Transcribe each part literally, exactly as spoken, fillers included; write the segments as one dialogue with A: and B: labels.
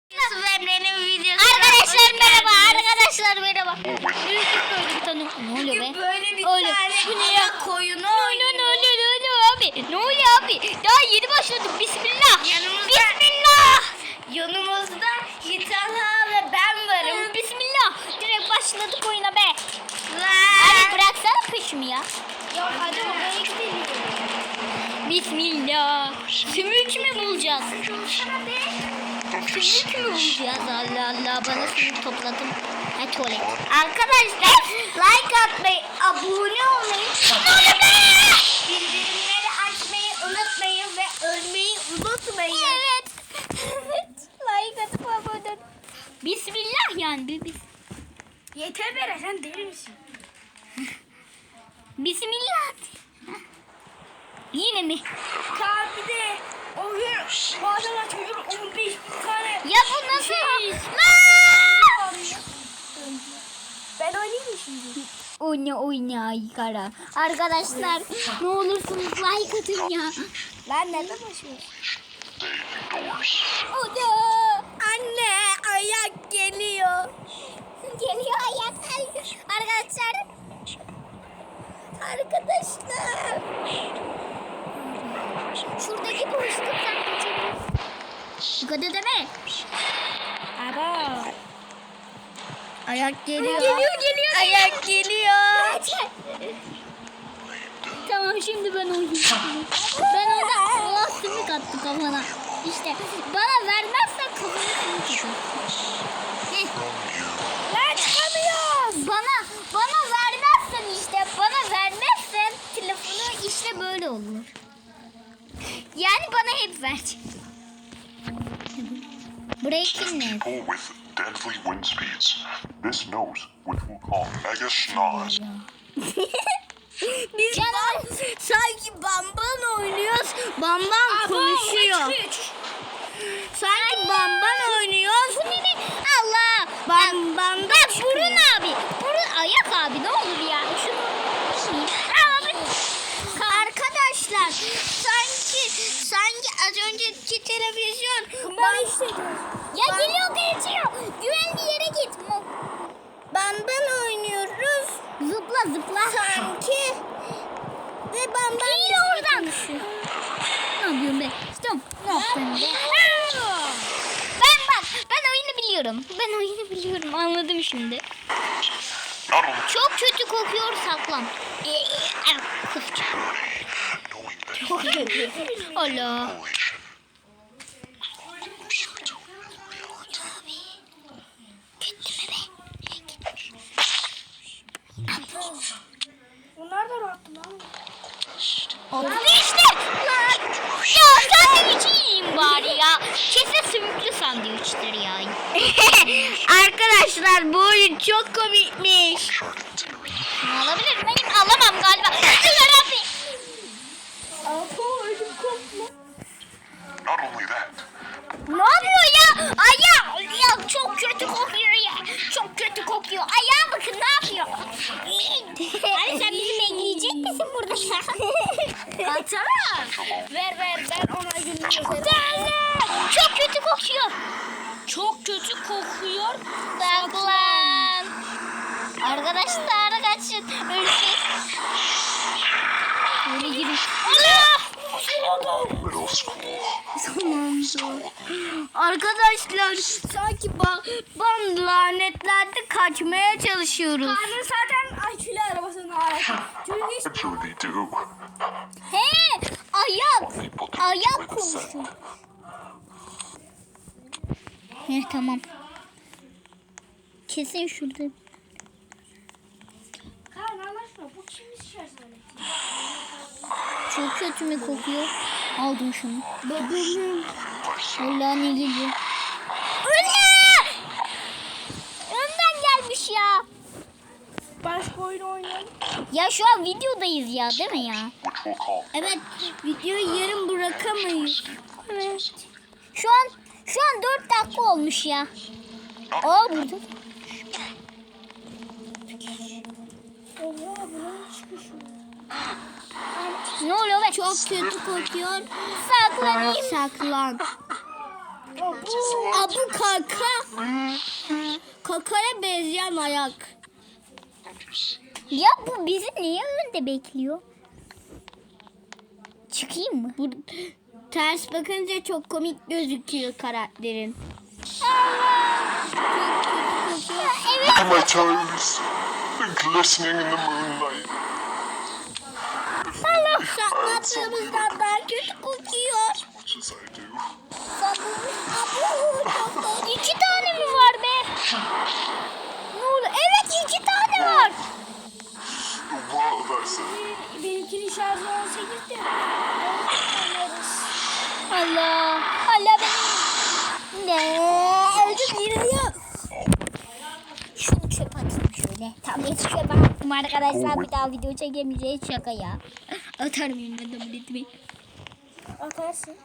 A: Arkadaşlar merhaba, arkadaşlar merhaba. YouTube'da öyle bir tane ne oluyor be?
B: Böyle bir
A: Öyle.
B: tane
A: Bu ne ya?
B: koyunu
A: Ne oluyor, ne oluyor, ne oluyor abi? Ne oluyor abi? Daha yeni başladık. Bismillah.
B: Yanımızda-
A: Bismillah.
B: Yanımızda Yiğitanha ve ben varım.
A: Bismillah. Direkt başladık oyuna be.
B: Ve...
A: Abi bıraksana peşimi ya.
B: Yok hadi oraya gidelim.
A: Bismillah. Sümük mü bulacağız? Sümük mü bulacağız? Allah Allah, bana sümük topladım. Ha tuvalet.
B: Arkadaşlar like atmayı, abone olmayı, bildirimleri açmayı unutmayın ve ölmeyi unutmayın.
A: Evet. Evet. Like atıp abone ol. Bismillah yani. bir- bir-
B: Yeter be, sen deli misin?
A: Bismillah. Yine mi?
B: Kaan bir de o gün bu adamlar çocuk on beş bin tane.
A: Ya bu nasıl?
B: Şey-
A: Lan!
B: Ben oynayayım mı şimdi?
A: Oyna oyna kara. Arkadaşlar ne olursunuz like atın ya.
B: Lan nereden başlıyorsun?
A: O da.
B: Anne ayak geliyor.
A: Geliyor ayak. Arkadaşlar. Arkadaşlar. Şuradaki boşluktan kaçabiliriz. Bu kadar deme.
B: Aba. Ayak geliyor.
A: Geliyor geliyor.
B: Ayak geliyor.
A: Kaç. Tamam şimdi ben oynayacağım. Ben orada Allah sümük attı kafana. İşte bana vermezsen kafana sümük atar. Heh.
B: Lan çıkamıyoruz.
A: Bana bana vermezsen işte bana vermezsen telefonu işte böyle olur. Yani bana hep ver. Burayı kim ne?
C: People with deadly wind speeds. This nose, which we'll call Mega Schnoz,
B: Biz
A: Canım.
B: bam, sanki bamban oynuyoruz. Bamban konuşuyor. Sanki bamban oynuyoruz.
A: Bu ne ne? Allah.
B: Bamban da
A: Bak
B: çıkıyor.
A: burun abi. Burun ayak abi ne olur ya. Şunu abi.
B: Arkadaşlar sanki sanki az önceki televizyon bam,
A: Ya geliyor geçiyor. Güvenli yere git.
B: bamban oynuyoruz.
A: Zıpla zıpla.
B: Sanki ve bamban
A: Değil oradan. Ne yapıyorsun be? Stop. Ne yaptın be? Ben bak ben oyunu biliyorum. Ben oyunu biliyorum. Anladım şimdi.
C: not only
A: Çok kötü kokuyor saklan. Kusacağım.
C: knowing that
A: Allah.
C: relation closer to reality.
A: Gitti mi be?
B: Bunlar da rahat lan.
A: Oldu işte. Lan. Ya sandviç yiyeyim bari ya. Kesin sümüklü sandviçtir ya.
B: Arkadaşlar bu oyun çok komikmiş.
C: Shark incinerator.
A: Şunu alabilir miyim? Alamam galiba. Güzel abi.
C: Not only that,
A: Ne yapıyor ya? Ayağı. Ya çok kötü kokuyor ya. Çok kötü kokuyor. Ayağa bakın ne yapıyor? Hani sen bizi bekleyecek misin burada?
B: Atsana. Ver ver ben ona gülüyorum.
A: Çok kötü kokuyor.
B: Çok kötü kokuyor.
A: Saklan. Arkadaşlar kaçın. Öleceğiz. Böyle girin. Allah!
C: middle school.
B: Arkadaşlar sanki bam, bam lanetlerde kaçmaya çalışıyoruz. Karnı zaten akülü arabasının arası. Çünkü
C: Actually, they do.
A: He, ayak.
C: People do
A: Ayak
C: with the scent.
A: kokusu. He tamam. Kesin şurada.
B: Kaan anlaşma bu kimin şarjı?
A: Çok kötü mü kokuyor? Aldım şunu.
B: Babamın.
A: Allah ne geliyor? Öyle! Önden gelmiş ya.
B: Başka oyun oynayalım.
A: Ya şu an videodayız ya değil mi ya?
C: Which we'll call
B: Evet videoyu yarım bırakamayız.
A: Evet. Şu an şu an dört dakika olmuş ya. Aa burada.
B: Oha bunun çıkışı.
A: Ne oluyor be?
B: Çok kötü kokuyor.
A: Saklanayım.
B: Saklan.
A: Aa, bu kaka. Kakaya benzeyen ayak. Ya bu bizi niye önde bekliyor? Çıkayım mı? Bu ters bakınca çok komik gözüküyor karakterin. Evet.
C: Look at my toes. They're glistening in the moonlight.
A: Allah sakladığımızdan daha kötü kokuyor.
C: As much as I do.
A: İki tane mi var be? Ne oldu? Evet iki tane var.
C: What did I say?
B: Benimkinin şarjı on sekizdi.
A: Allah. Allah benim. Ne? Öldüm yine ya. Şunu çöpe atayım şöyle. Tableti çöpe attım arkadaşlar. Bir daha video çekemeyeceğiz. Şaka ya. Atarım yine tabletimi.
B: Atarsın.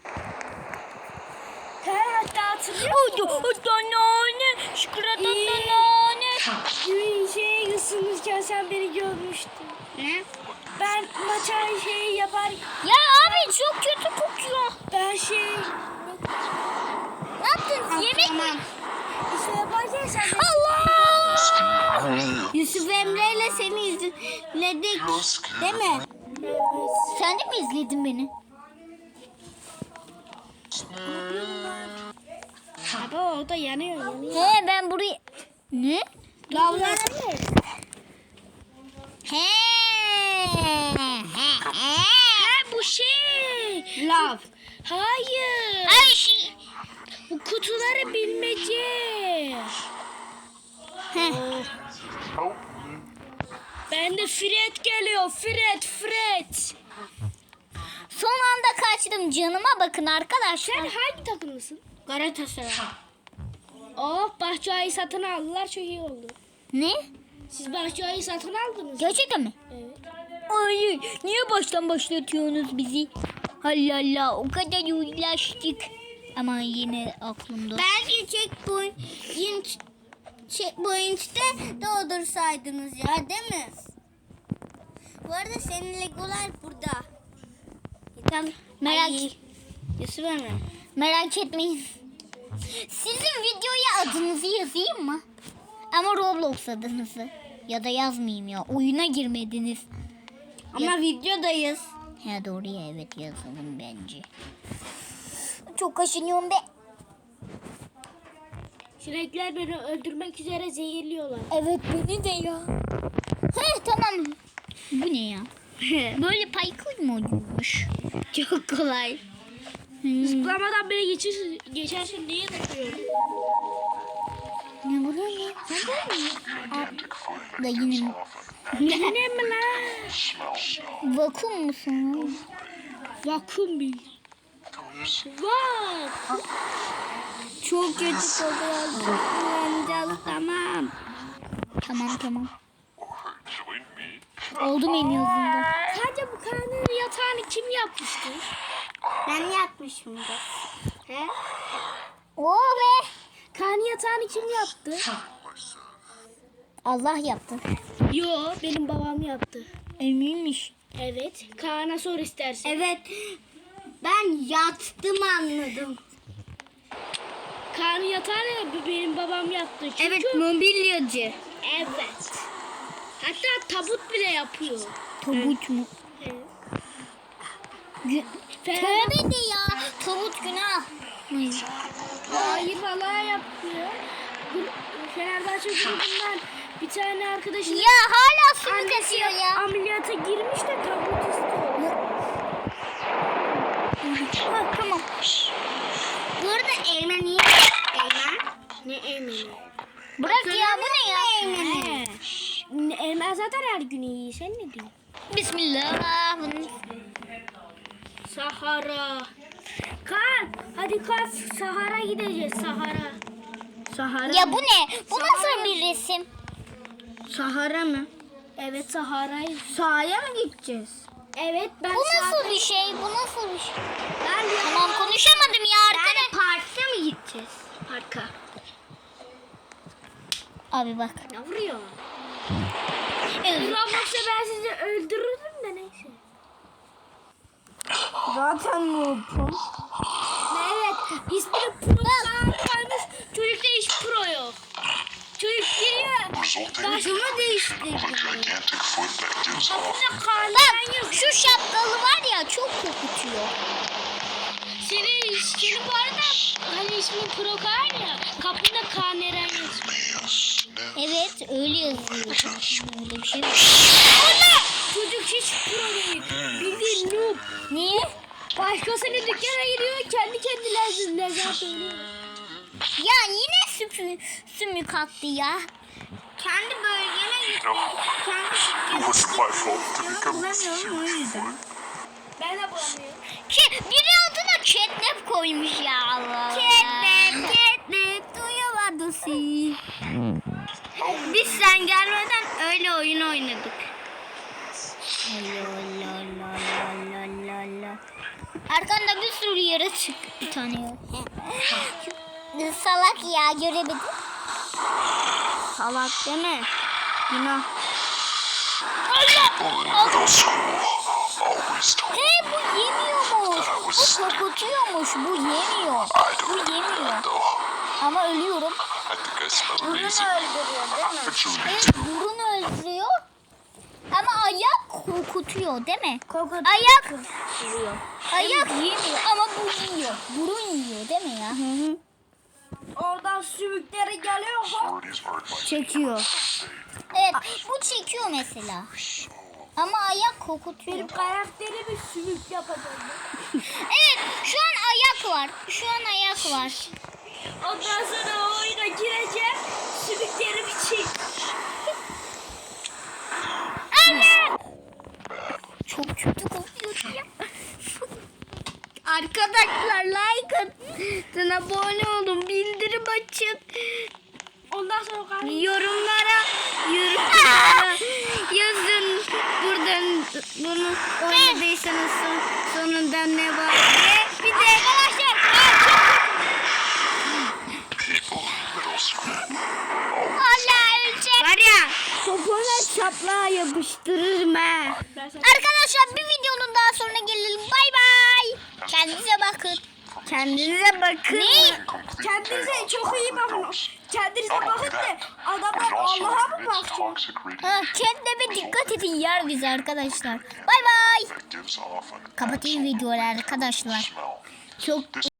B: Her hatta hatırlıyor
A: Oldu. Oldu nane. Şıkıratan nane.
B: musun? Şey ısınırken sen beni görmüştün.
A: Ne?
B: Ben maça şey yapar.
A: Ya abi çok kötü kokuyor.
B: Ben şey
A: Ne yaptın? Yemek mi?
B: işte yaparken sen beni...
A: Allah! Yusuf Emre ile seni izledik. Değil mi? Sen de mi izledin beni?
B: Abi orada yanıyor yanıyor.
A: He ben burayı... Ne?
B: Lavlar.
A: He. He. He.
B: Ha bu şey.
A: Lav.
B: Hayır.
A: Ay şey.
B: Bu kutuları bilmece.
A: He.
C: Help me.
B: Ben de Fred geliyor. Fred, Fred.
A: Son anda kaçtım. Canıma bakın arkadaşlar.
B: Sen hangi takımlısın?
A: Galatasaray.
B: Oh, Bahçeay'ı satın aldılar. Çok iyi oldu.
A: Ne?
B: Siz Bahçeay'ı satın aldınız.
A: Gerçekten mi?
B: Evet.
A: Hayır. Niye baştan başlatıyorsunuz bizi? Allah Allah. O kadar uğraştık. Ama yine aklımda.
D: Belki checkpoint checkpoint'te doldursaydınız ya değil mi? Bu arada senin legolar burada.
A: Tamam. Merak,
D: Ay, Yusuf Emre.
A: merak etmeyin. Sizin videoya adınızı yazayım mı? Ama Roblox adınızı. Ya da yazmayayım ya. Oyuna girmediniz.
D: Ama videodayız.
A: He doğru ya, evet yazalım bence. Çok kaşınıyorum be.
B: Sinekler beni öldürmek üzere zehirliyorlar.
A: Evet beni de ya. He tamam. Bu ne ya? Böyle parkur mu oluyormuş? Çok kolay. Hmm.
B: Zıplamadan beni geçir, geçersin diye takıyorum.
A: Ne bu ne? Sen böyle mi? Aa, da yine mi?
B: Yine mi lan?
C: Smell, smell.
A: Vakum musun?
B: Vakum bil. Vak.
A: Çok kötü kokuyor.
B: Kullanacağız tamam.
A: Tamam tamam.
C: Join me.
A: Oldum en azından.
B: Sadece bu kanın yatağını kim yapmıştır?
D: Ben yapmışımdır. He?
A: Oo be.
B: Kan yatağını kim yaptı?
A: Allah yaptı.
B: Yo, benim babam yaptı.
A: Eminmiş.
B: Evet, Kaan'a sor istersen.
D: Evet. Ben yattım anladım.
B: Kaan'ın yatağını benim babam yaptı. Çünkü...
D: Evet, mobilyacı.
B: Evet. Hatta tabut bile yapıyor.
A: Tabut mu?
B: Evet.
A: Gü- Tövbe de ya. Tabut günah.
B: Hayır vallahi yapıyor. Bu Fenerbahçe grubundan bir tane arkadaşım
A: Ya hala su
B: annesi
A: kaçıyor ya.
B: ameliyata girmiş de tabut istiyor.
A: Ha, tamam.
D: Bu arada Eymen iyi. Eymen.
B: Ne emini?
A: Bırak ya, bu ne ya?
D: Eymen'i.
B: He. Emel zaten her gün iyi. Sen ne diyorsun?
A: Bismillah.
B: Sahara. Kaan hadi kalk Sahara gideceğiz Sahara. Sahara.
A: Ya bu ne? Bu nasıl bir resim?
D: Sahara mı?
B: Evet Sahara'yı.
D: Sahaya mı gideceğiz?
B: Evet ben
A: Bu nasıl
B: Sahara-
A: bir şey? Bu nasıl bir şey?
B: Ben de
A: Tamam konuşamadım ya arkadaş.
D: Parkta mı gideceğiz?
B: Parka.
A: Abi bak.
B: Ne vuruyor?
A: Evet.
B: Roblox'ta ben sizi öldürürdüm de neyse.
D: Zaten noobum.
B: Evet İsmini Pro'dan kalmış. Çocukta hiç Pro yok. Çocuk giriyor.
C: resulting
B: Başımı
C: of a
B: değiştirdi.
C: gigantic foot that gives off
B: Kapında karnından
A: Bak şu şapkalı var ya çok kokutuyor.
B: Senin, senin bu arada hani ismin Pro Kaan ya. Kapında Kaan Eren yazıyor.
C: me a sniff.
A: Evet öyle yazıyor. Öyle bir şey yok.
B: Çocuk hiç Pro değil. Bildiğin noob.
A: Niye?
B: Başkasının dükkana gidiyor kendi kendine lezzet söylüyor.
A: Ya yine sümü, sümük attı ya.
D: Kendi bölgene git.
C: No,
D: Kendi
C: it wasn't my fault to become a
D: bulamıyorum o yüzden.
B: Ben de bulamıyorum.
A: Ki biri adına catnap koymuş ya Allah.
D: Catnap, catnap, duyuyorlardı sizi. Biz sen gelmeden öyle oyun oynadık.
A: Arkanda bir sürü yaratık bir tane yok. Salak ya göremedim.
D: Salak deme. Günah.
C: middle school always told me
A: He bu yemiyormuş. Bu kokutuyormuş. Bu yemiyor.
C: I
A: Bu
C: don't do
A: yemiyor.
C: that though.
A: Ama ölüyorum.
C: I think I smell
D: Bunu
C: amazing.
D: öldürüyor değil mi?
C: Actually,
A: Evet burun öldürüyor. Ama ayak kokutuyor değil mi?
D: Kokut.
A: Ayak ayak yemiyor ama bu yiyor. Burun yiyor değil mi ya?
B: Oradan sümükleri geliyor.
C: authorities are advising
D: Çekiyor.
A: Evet bu çekiyor mesela. Ama ayak kokutuyor.
B: Benim karakterimi sümük yapacağım.
A: Evet şu an ayak var. Şu an ayak var.
B: Ondan sonra o oyuna gireceğim. Sümüklerimi çek.
A: Evet. Çok kötü kokuyor ya.
D: Arkadaşlar like atın, abone olun, bildirim açın.
B: Ondan sonra karnım.
D: Yorumlara, yorumlara yazın. Buradan bunu oynadıysanız son, sonunda ne var? Ve bir de
A: Arkadaşlar
C: people in middle school.
A: Allah ölecek.
D: var ya topuna çapla yapıştırırım ha.
A: Arkadaşlar bir videonun daha sonra gelelim. Bay bay. Kendinize bakın.
D: Kendinize bakın.
A: Ne?
C: Complete
B: Kendinize
C: chaos
B: çok iyi
C: for
B: bakın.
C: overdose.
B: Kendinize
C: Not only
B: bakın da
C: that,
B: adamlar
C: it also
B: Allah'a mı
C: emits
B: bakacak?
C: toxic
A: Ha,
C: radiation
A: kendine dikkat edin yer bizi arkadaşlar. Bay bay.
C: that gives off an
A: Kapatayım videoları arkadaşlar.
C: smell.
D: Çok